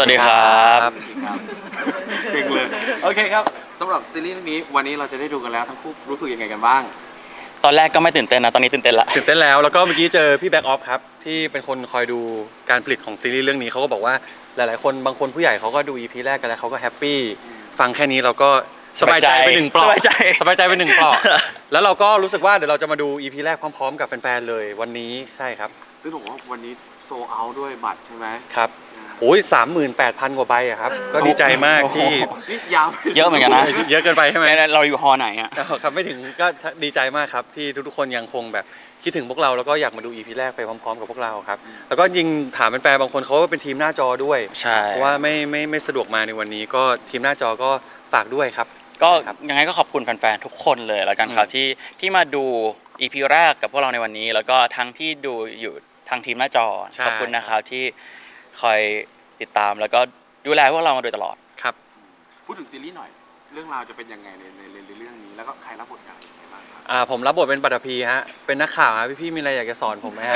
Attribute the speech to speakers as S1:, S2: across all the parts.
S1: ดีครับ
S2: เก่งเลยโอเคครับสำหรับซีรีส์เรื่องนี้วันนี้เราจะได้ดูกันแล้วทั้งคู่รู้สึกยังไงกันบ้าง
S1: ตอนแรกก็ไม่ตื่นเต้นนะตอนนี้ตื่นเต้นละ
S3: ตื่นเต้นแล้วก็เมื่อกี้เจอพี่แบ็กออฟครับที่เป็นคนคอยดูการผลิตของซีรีส์เรื่องนี้เขาก็บอกว่าหลายๆคนบางคนผู้ใหญ่เขาก็ดู EP แรกกันแล้วเขาก็แฮปปี้ฟังแค่นี้เราก็สบายใจไปหนึ่งเปลาะสบายใจไปหนึ่งเปลาะแล้วเราก็รู้สึกว่าเดี๋ยวเราจะมาดู EP แรกพร้อมๆกับแฟนๆเลยวันนี้ใช่ครับ
S2: ซึ่งบอกว่าวันนี้โซเอาด้วยบัตรใช่ไหม
S3: ครับโอ้ย38,000 กว่าใบอะครับก็ดีใจมากที่
S2: นี่ยาว
S1: เยอะเหมือนกันนะ
S3: เยอะเกินไปใช่ไหม
S1: เราอยู่ฮอไหนอ่ะ
S3: ครับไม่ถึงก็ดีใจมากครับที่ทุกๆคนยังคงแบบคิดถึงพวกเราแล้วก็อยากมาดู EP แรกไปพร้อมๆกับพวกเราครับแล้วก็ยิงถามแฟนๆบางคนเขาเป็นทีมหน้าจอด้วย
S1: ใช่
S3: เพราะว่าไม่สะดวกมาในวันนี้ก็ทีมหน้าจอก็ฝากด้วยครับ
S1: ก็ยังไงก็ขอบคุณแฟนๆทุกคนเลยแล้วกันครับที่มาดู EP แรกกับพวกเราในวันนี้แล้วก็ทั้งที่ดูอยู่ทางทีมหน้าจอขอบคุณนะครับที่คอยติดตามแล้วก็ดูแลพวกเรามาโดยตลอด
S3: ครับ
S2: พูดถึงซีรีส์หน่อยเรื่องราวจะเป็นยังไงในเรื่องนี้แล้วก็ใครรับบทบาทยังไงบ้างครับ
S3: ผมรับบทเป็นปัตภีฮะเป็นนักข่าวฮะพี่ๆมีอะไรอยากจะสอนผมไหมฮะ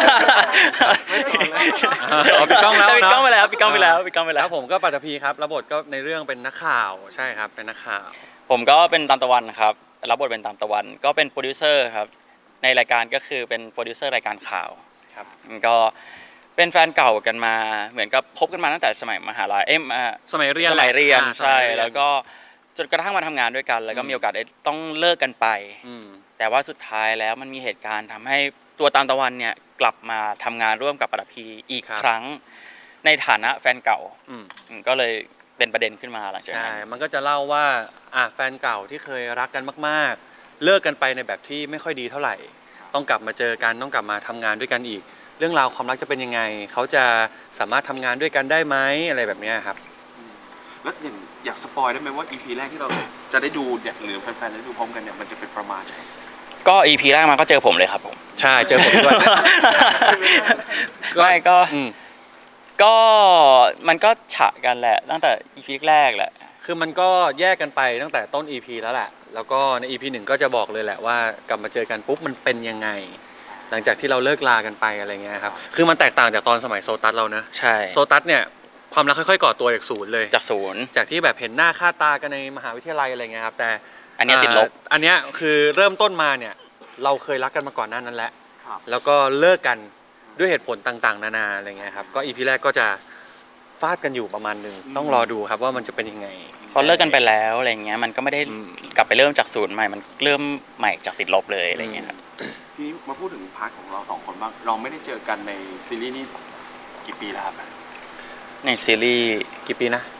S3: ปิดกล้องแล้ว
S1: ปิดกล้องไปแล้ว
S3: ครับผมก็ปัตภีครับรับบทก็ในเรื่องเป็นนักข่าวใช่ครับเป็นนักข่าว
S1: ผมก็เป็นตามตะวันครับรับบทเป็นตามตะวันก็เป็นโปรดิวเซอร์ครับในรายการก็คือเป็นโปรดิวเซอร์รายการข่าว
S3: ครับ
S1: ก็เป็นแฟนเก่ากันมาเหมือนกับพบกันมาตั้งแต่สมัยมหาลัย
S3: สมัยเรีย
S1: นใช่แล้วก็จนกระทั่งมาทำงานด้วยกันแล้วก็มีโอกาสได้ต้องเลิกกันไปแต่ว่าสุดท้ายแล้วมันมีเหตุการณ์ทำให้ตัวตามตะวันเนี่ยกลับมาทำงานร่วมกับปัตภีอีกครั้งในฐานะแฟนเก่าก็เลยเป็นประเด็นขึ้นมาหลังจากนั้น
S3: ใช่มันก็จะเล่าว่าแฟนเก่าที่เคยรักกันมากๆเลิกกันไปในแบบที่ไม่ค่อยดีเท่าไหร่ต้องกลับมาเจอกันต้องกลับมาทำงานด้วยกันอีกเรื่องราวความรักจะเป็นยังไงเขาจะสามารถทำงานด้วยกันได้ไหมอะไรแบบนี้ครับ
S2: แล้วอย่างอยากสปอยได้ไหมว่า EP แรกที่เราจะได้ดูเนี่ยหรือแฟนๆได้ดูพร้อมกันเนี่ยมันจะเป็นประมาณไหน
S1: ก็ EP แรกมาก็เจอผมเลยครับผม
S3: ใช่เจอผมด้วย
S1: ไม่ก็มันก็ฉะกันแหละตั้งแต่ EP แรกแหละ
S3: คือมันก็แยกกันไปตั้งแต่ต้น EP แล้วแหละแล้วก็ใน EP 1ก็จะบอกเลยแหละว่ากลับมาเจอกันปุ๊บมันเป็นยังไงหลังจากที่เราเลิกลากันไปอะไรเงี้ยครับคือมันแตกต่างจากตอนสมัยโซตัสเรานะ
S1: ใช่
S3: โซตัสเนี่ยความรักค่อยๆก่อตัวจากศูนย์เลยจากที่แบบเห็นหน้าค่าตากันในมหาวิทยาลัยอะไรเงี้ยครับแต่
S1: อันนี้ติดลบ
S3: อันนี้คือเริ่มต้นมาเนี่ยเราเคยรักกันมาก่อนหน้านั้นแหละแล้วก็เลิกกันด้วยเหตุผลต่างๆนานาอะไรเงี้ยครับก็ EP แรกก็จะฟาดกันอยู่ประมาณนึงต้องรอดูครับว่ามันจะเป็นยังไง
S1: พอเลิกกันไปแล้วอะไรเงี้ยมันก็ไม่ได้กลับไปเริ่มจากศูนย์ใหม่มันเริ่มใหม่จากติดลบเลยอะไรเงี้ยครับ
S2: ทีนี้มาพูดถึงพาร์ทของเราสองคนบ้างเราไม่ได้เจอกันในซีรีส์นี้กี่ปีแล้วครับ
S1: ในซีรีส์
S3: กี่ปีนะ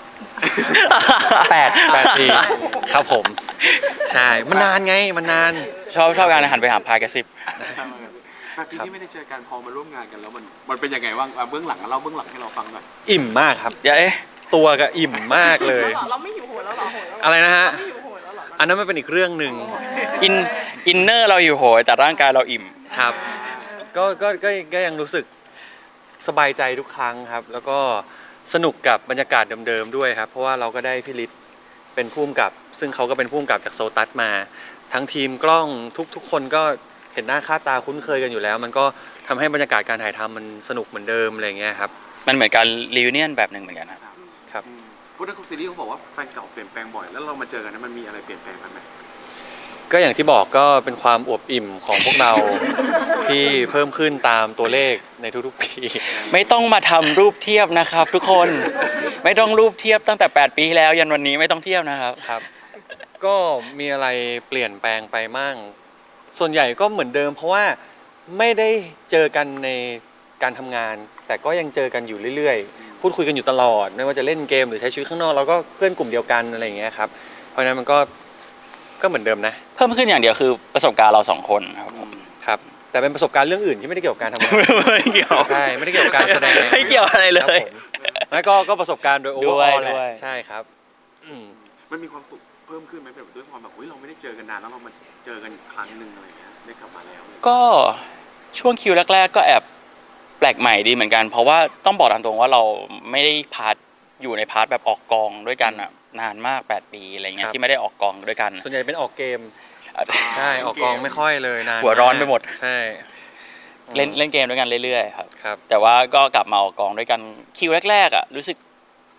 S3: 8 ปีครับผมใช่มันนานไงมันนาน
S1: ชอบการหันไปหาพายกระซิบ
S2: 8 ปีที่ไม่ได้เจอกันพอมาร่วมงานกันแล้วมันเป็นยังไงบ้างเบื้องหลังเล่าเบื้องหลังให้เราฟังหน่อย
S3: อิ่มมากครับ
S1: เดี๋ยว
S3: ตัวก็อิ่มมากเลย
S4: เราไม่หิวโหยแล้วหรอ
S3: อะไรนะฮะอันนั้นมันเป็นอีกเรื่องหนึ่ง
S1: อินเนอร์เราอยู่โหยแต่ร่างกายเราอิ่ม
S3: ครับก็ยังรู้สึกสบายใจทุกครั้งครับแล้วก็สนุกกับบรรยากาศเดิมๆด้วยครับเพราะว่าเราก็ได้พี่ฤทธิ์เป็นผู้กำกับซึ่งเขาก็เป็นผู้กำกับจากโซตัสมาทั้งทีมกล้องทุกคนก็เห็นหน้าค่าตาคุ้นเคยกันอยู่แล้วมันก็ทำให้บรรยากาศการถ่ายทำมันสนุกเหมือนเดิมอะไรเงี้ยครับ
S1: มันเหมือนการรีวิเนียนแบบหนึ่งเหมือนกัน
S3: ครับ
S2: พูดถึงซีรีส์เขาบอกว่าแฟนเก่าเปลี่ยนแปลงบ่อยแล้วเรามาเจอกันนั้นมันมีอะไรเปลี่ยนแปลงไหม
S3: ก็อย่างที่บอกก็เป็นความอวบอิ่มของพวกเราที่เพิ่มขึ้นตามตัวเลขในทุกๆปี
S1: ไม่ต้องมาทำรูปเทียบนะครับทุกคนไม่ต้องรูปเทียบตั้งแต่8 ปีแล้วยันวันนี้ไม่ต้องเทียบนะครับ
S3: ครับก็มีอะไรเปลี่ยนแปลงไปมั่งส่วนใหญ่ก็เหมือนเดิมเพราะว่าไม่ได้เจอกันในการทำงานแต่ก็ยังเจอกันอยู่เรื่อยๆพูดคุยกันอยู่ตลอดไม่ว่าจะเล่นเกมหรือใช้ชีวิตข้างนอกเราก็เพื่อนกลุ่มเดียวกันอะไรอย่างเงี้ยครับเพราะฉะนั้นมันก็เหมือนเดิมนะ
S1: เพิ่มขึ้นอย่างเดียวคือประสบการณ์เรา2 คน
S3: ครับแต่เป็นประสบการณ์เรื่องอื่นที่ไม่ได้เกี่ยวกับการทำงาน
S1: ไม่เกี่ยว
S3: ใช่ไม่ได้เกี่ยวกับการแสดง
S1: ไม่เกี่ยวอะไรเลย
S3: ไม่ก็ประสบการณ์โดยโอเวอร์ออลแหละใช่ครับ
S2: มันมีความสุขเพิ่มขึ้นไหมแบบด้วยความแบบเราไม่ได้เจอกันนานแล้วเรามาเจอกันอีกครั้งหนึ่งอะไรเงี้ยได้กลับมาแล้ว
S1: ก็ช่วงคิวแรกๆก็แอบแปลกใหม่ดีเหมือนกันเพราะว่าต้องบอกตามตรงว่าเราไม่ได้อยู่ในพาร์ทแบบออกกองด้วยกันนานมาก8 ปีอะไรเงี้ยที่ไม่ได้ออกกองด้วยกัน
S3: ส่วนใหญ่เป็นออกเกมใช่ออกกองไม่ค่อยเลยนาน
S1: หัวร้อนไปหมด
S3: ใช่
S1: เล่นเกมด้วยกันเรื่อยๆครับแต่ว่าก็กลับมาออกกองด้วยกันคิวแรกๆรู้สึก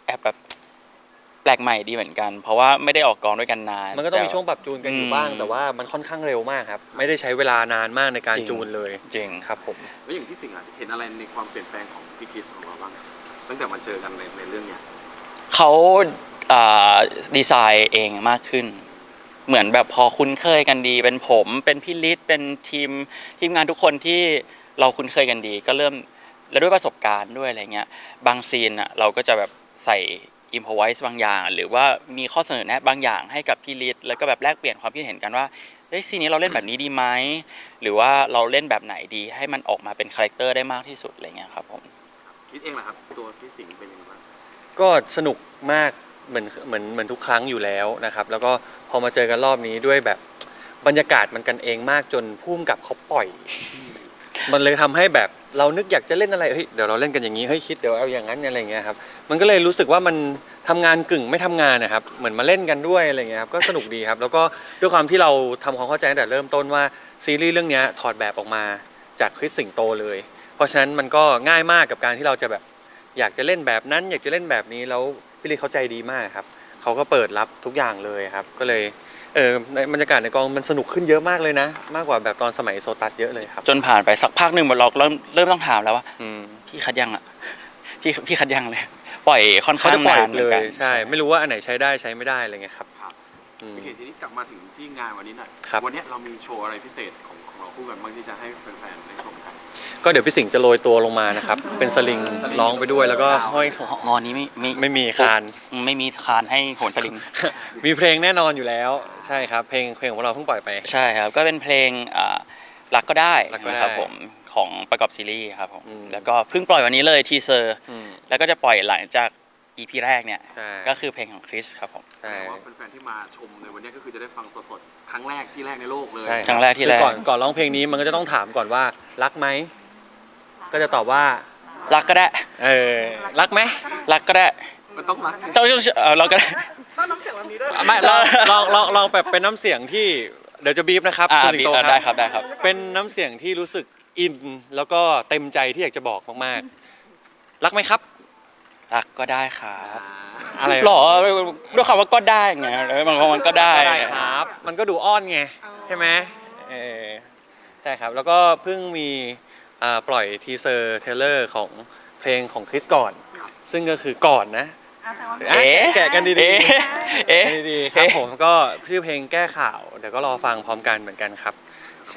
S1: แอบแบบแปลกใหม่ดีเหมือนกัน เพราะว่าไม่ได้ออกกองด้วยกันนาน
S3: มันก็ต้องมีช่วงปรับจูนกันอยู่บ้าง แต่ว่ามันค่อนข้างเร็วมากครับไม่ได้ใช้เวลานานมากในการจูนเลย
S1: จริง
S3: ครับผม
S2: แล้วอย่างที่สิ่งเห็นอะไรในความเปลี่ยนแปลงของพี่คริสของเราบ้างตั้งแต่มาเจอกันในเรื่องเนี้ย
S1: เขาดีไซน์เองมากขึ้น เหมือนแบบพอคุ้นเคยกันดี เป็นผมเป็นพี่ฤทธิ์เป็นทีมงานทุกคนที่เราคุ้นเคยกันดี ก็เริ่มแล้วด้วยประสบการณ์ด้วยอะไรเงี้ยบางซีนอ่ะเราก็จะแบบใส่อิมพอไวส์บางอย่าง หรือว่ามีข้อเสนอแนะบางอย่างให้กับพี่ฤทธิ์แล้วก็แบบแลกเปลี่ยนความคิดเห็นกันว่าเฮ้ยซีนนี้เราเล่นแบบนี้ดีไหมหรือว่าเราเล่นแบบไหนดีให้มันออกมาเป็นคาแรคเตอร์ได้มากที่สุดอะไรเงี้ยครับผม
S2: คิดเองเหรอครับตัวพี่สิงห์เป็นยังไงบ้าง
S3: ก็สนุกมากเหมือนทุกครั้งอยู่แล้วนะครับแล้วก็พอมาเจอกันรอบนี้ด้วยแบบบรรยากาศมันกันเองมากจนพุ่มกับเขาปล่อย มันเลยทำให้แบบเรานึกอยากจะเล่นอะไรเฮ้ยเดี๋ยวเราเล่นกันอย่างนี้เฮ้ยคิดเดี๋ยวเอาอย่างนั้นอะไรเงี้ยครับมันก็เลยรู้สึกว่ามันทำงานกึ่งไม่ทำงานนะครับเหมือนมาเล่นกันด้วยอะไรเงี้ยครับก็สนุกดีครับแล้วก็ด้วยความที่เราทำความเข้าใจตั้งแต่เริ่มต้นว่าซีรีส์เรื่องนี้ถอดแบบออกมาจากคริสสิงโตเลยเพราะฉะนั้นมันก็ง่ายมากกับการที่เราจะแบบอยากจะเล่นแบบนั้นอยากจะเล่นแบบนี้แล้วพี่ลีเขาใจดีมากครับเขาก็เปิดรับทุกอย่างเลยครับก็เลยในบรรยากาศในกองมันสนุกขึ้นเยอะมากเลยนะมากกว่าแบบตอนสมัยโซตัสเยอะเลยครับ
S1: จนผ่านไปสักพักหนึ่งเราเริ่มต้องถามแล้วว่า
S3: อืม
S1: พี่คัดยังอ่ะพี่คัดยังเลย ปล่อยค่อน
S3: เขา
S1: ข้าง
S3: จะปล่อย
S1: นานเหมื
S3: เล
S1: อนกั
S3: ย
S1: น
S3: ใช่ไม่รู้ว่าอันไหนใช้ได้ใช้ไม่ได้อะไรเงี้ยครับ
S2: ครับ
S3: อืม
S2: พี่เห็นทีนี้กลับมาถึงที่งานวันนี้หน่อย
S3: ครับ
S2: วันนี้เรามีโชว์อะไรพิเศษของเราคู่กันบ้างที่จะให้แฟนๆได้ชมกัน
S3: ก็เดี๋ยวพี่สิงห์จะโรยตัวลงมานะครับ เป็นสลิงร้องไปด้วยแล้วก็ห้อย
S1: งอนนี้
S3: ไม่มีคาน
S1: ไม่มีคานให้โหนสลิง
S3: มีเพลงแน่นอนอยู่แล้วใช่ครับเพลงของเราเพิ่งปล่อยไป
S1: ใช่ครับก็เป็นเพลงรักก็ได้
S3: รักก็ได้
S1: นะครับผมของประกอบซีรีส์ครับผม
S3: อืม
S1: แล้วก็เพิ่งปล่อยวันนี้เลยทีเซอร์
S3: อืม
S1: แล้วก็จะปล่อยหลังจาก EP แรกเนี่ย
S3: ใช่
S1: ก็คือเพลงของคริสครับผม
S3: ใช่
S2: แต่ว่าแฟนๆที่มาชมในวันนี้ก็คือจะได้ฟังสดๆครั้งแรกที่แรกในโลกเลย
S3: ใช่
S1: ครั้งแรกที่แรก
S3: คือก่อนร้องเพลงนี้มันก็จะต้องถามก่อนว่ารักไหมก็จะตอบว่า
S1: รักก็ได้
S3: รักไหม
S1: รักก็ได้
S2: มันต้องรัก
S1: ต้องเราก็ได้
S3: ไม่ลองแบบเป็นน้ำเสียงที่เดี๋ยวจะบีบนะครับคุณสิงโตค
S1: ได้
S3: รับ
S1: ครับได้ครับ
S3: เป็นน้ำเสียงที่รู้สึกอินแล้วก็เต็มใจที่อยากจะบอกมากๆรักไหมครับ
S1: รักก็ได้ครับ
S3: อะไร
S1: หรอด้วยคำว่าก็ได้ไงมันก็ได้
S3: ก็ได้ครับ มันก็ดูอ้อนไงใช่ไหมใช่ครับ แล้วก็เพิ่งมีปล่อยทีเซอร์เทเลอร์ของเพลงของคริสก่อน ซึ่งก็คือก่อนนะ แกะกันดี
S1: เอ๊ะ
S3: ๆ
S1: เอ๊ะ
S3: ดีๆครับผมก็ชื่อเพลงแก้ข่าวเดี๋ยวก็รอฟังพร้อมกันเหมือนกันครับใช่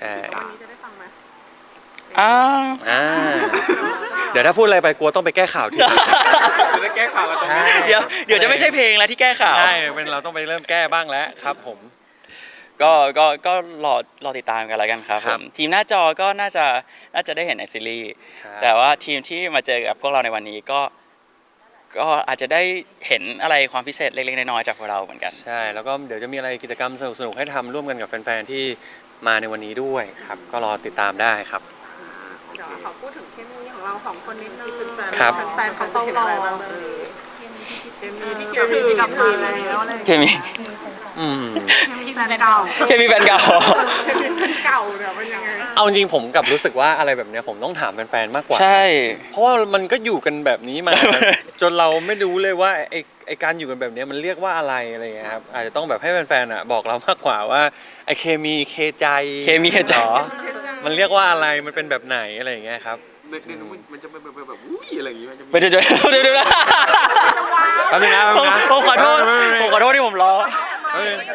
S1: อ้าว
S3: เดี๋ยวถ้าพูดอะไรไปกลัวต้องไปแก้ข่าวที่
S2: จะได้แก้ข่าวกันตรงนี้
S3: ใช่
S1: เดี๋ยวจะไม่ใช่เพลงแล้วที่แก้ข่าว
S3: ใช่เป็นเราต้องไปเริ่มแก้บ้างแล้วครับผม
S1: ก็รอติดตามกันแล้วกันครับ
S3: ค
S1: ผ
S3: รับ
S1: มทีมหน้าจอก็น่าจะได้เห็นในซีรีส์
S3: ครับ
S1: แต่ว่าทีมที่มาเจอกับพวกเราในวันนี้ก็อาจจะได้เห็นอะไรความพิเศษเล็กๆน้อยๆจากพวกเราเหมือนกัน
S3: ใช่แล้วก็เดี๋ยวจะมีอะไรกิจกรรมสนุกๆให้ทำร่วมกันกับแฟนๆที่มาในวันนี้ด้วยครับก็รอติดตามได้ครับ
S4: เดี๋ยวขอพูดถึงเคมีของเราสองคนนิดนึง
S3: ครับ
S4: แฟนๆเขาจะเห็นอะไรบ้างเคมีที่กลับมาแล้วอะไร
S1: เคมี
S3: อืม
S4: เคมีแฟนเก่า
S1: เคมีแฟนเก่า
S4: เคมีแฟนเก่าเนี่ยเป็นยังไง
S3: เอาจริงๆผมกลับรู้สึกว่าอะไรแบบเนี้ยผมต้องถามแฟนๆมากกว่า
S1: ใช่
S3: เพราะว่ามันก็อยู่กันแบบนี้มา จนเราไม่รู้เลยว่าไอการอยู่กันแบบเนี้ยมันเรียกว่าอะไรอะไรเงี้ยครับอาจจะต้องแบบให้แฟนๆอ่ะบอกเรามากกว่าว่าไอเคมีเคใจ
S1: เคมีเคใจ
S3: หรอมันเรียกว่าอะไรมันเป็นแบบไหนอะไรอย่างเงี้ยครับ
S2: ในนู้นมันจะเป็นแบบอุ้ยอะไรอย่างงี้มันจะมี
S1: ไม่ได้เดี๋ยวนะ
S3: แป๊บนึงนะแป๊บนึงนะ
S1: ผมขอโทษที่ผมล้อ
S3: แป๊บนึง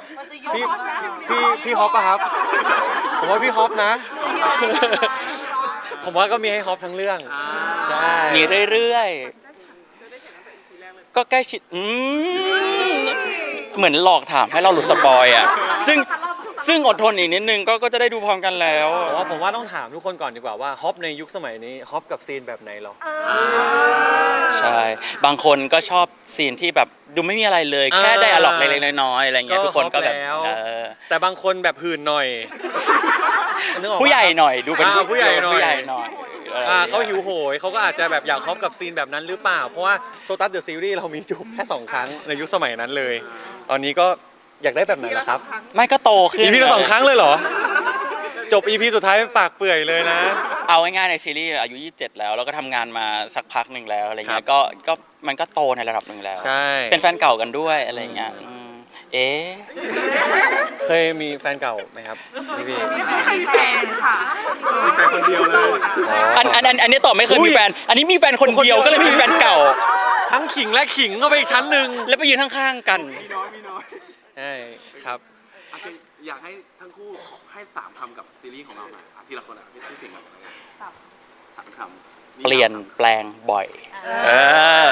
S3: พี่ฮอปปะครับ ผมว่าพี่ฮอปนะ ผมว่าก็มีให้ฮอปทั้งเรื่องใช่
S1: มีเรื่อยๆก็ใกล้ชิดเหมือนหลอกถามให้เราหลุดสปอยอ่ะซึ่งอดทนอีกนิดนึงก็จะได้ดูพร้อมกันแล้ว
S3: ผมว่าต้องถามทุกคนก่อนดีกว่าว่าฮอปในยุคสมัยนี้ฮอปกับซีนแบบไหนหรอ
S1: ใช่บางคนก็ชอบซีนที่แบบดูไม่มีอะไรเลย แค่ได้อะล็อกเล็กๆน้อยๆอะไรเงี้ยทุกคนก็แบบ
S3: แล้วแต่บางคนแบบหื่นหน่อยนึกออกปะ
S1: ผู้ใหญ่หน่อยดูเป็น
S3: ผู้ใหญ่หน่อย
S1: ผู้ใหญ่หน่อย
S3: เขาหิวโหยเขาก็อาจจะแบบอยากฮอปกับซีนแบบนั้นหรือเปล่า เพราะว่าโซตัสเดอะซีรีส์เรามีจูบแค่2 ครั้งในยุคสมัยนั้นเลย ตอนนี้ก็อยากได้แบบไหนล่ะครับ
S1: ไม่ก็โตขึ้น
S3: อีพีละ2 ครั้งเลยเหรอจบ EP สุดท้ายปากเปื่อยเลยนะ
S1: เอาง่ายๆในซีรีส์อายุ 27 แล้วก็ทำงานมาสักพักหนึ่งแล้วอะไรเงี้
S3: ครั
S1: ย
S3: บ
S1: ก็มันก็โตในระดับหนึ่งแล้ว
S3: ใช่
S1: เป็นแฟนเก่ากันด้วยอะไรเงี้ยเอ๊ะ
S3: เคยมีแฟนเก่าไหมครับพี่
S4: ไม่เคยมีแฟนค่ะ
S2: มีแฟนคนเดียวเลย
S1: อันนี้ตอบไม่เคย
S3: อุ้
S1: มี
S3: ย
S1: แฟน อันนี้มีแฟนคนเดียวก็เลยไม่มีแฟนเก่า
S3: ทั้งขิงและขิงก็ไปอีกชั้นหนึ่ง
S1: แล้วไปยืนข้างๆกัน
S2: มีน้อยมีน้อย
S3: ใช่ครับ
S2: โอเคอยากให้ทั้งคู่ให้3 คำกับซีรีส์ของเราหน่อยทีละคนพี่สิงห์ก่อนเลย3 คำ
S1: เปลี่ยนแปลงบ่อย เออ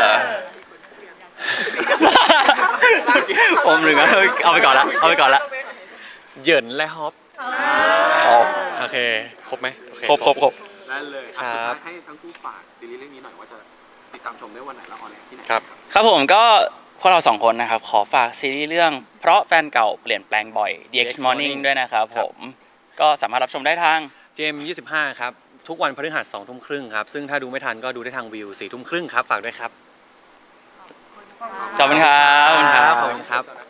S1: ผมหนึ่งอะเอาไปก่อนละเอาไปก่อนละ
S3: เหยินและฮอป
S1: อ๋อ
S3: โอเค ครบไหมโอเ
S1: ครบ
S2: ได้เลย
S3: ครั
S2: สุด
S3: บ
S2: ท้ายให้ทั้งคู่ฝากซีรีส์เรื่องนี้หน่อยว่าจะติดตามชมได้วันไหนและออนแอร์ที่ไหน
S3: ครับ
S1: ครับผมก็พวกเราสองคนนะครับ ขอฝากซีรีส์เรื่องเพราะแฟนเก่าเปลี่ยนแปลงบ่อย The X Morning ด้วยนะครับผม ก็สามารถรับชมได้ทาง
S3: เจม25 ครับ ทุกวันพฤหัส2 ทุ่มครึ่งครับ ซึ่งถ้าดูไม่ทันก็ดูได้ทางวิว4 ทุ่มครึ่งครับ ฝากด้วยครับ
S1: ขอบคุณครับ
S3: ขอบคุณครับ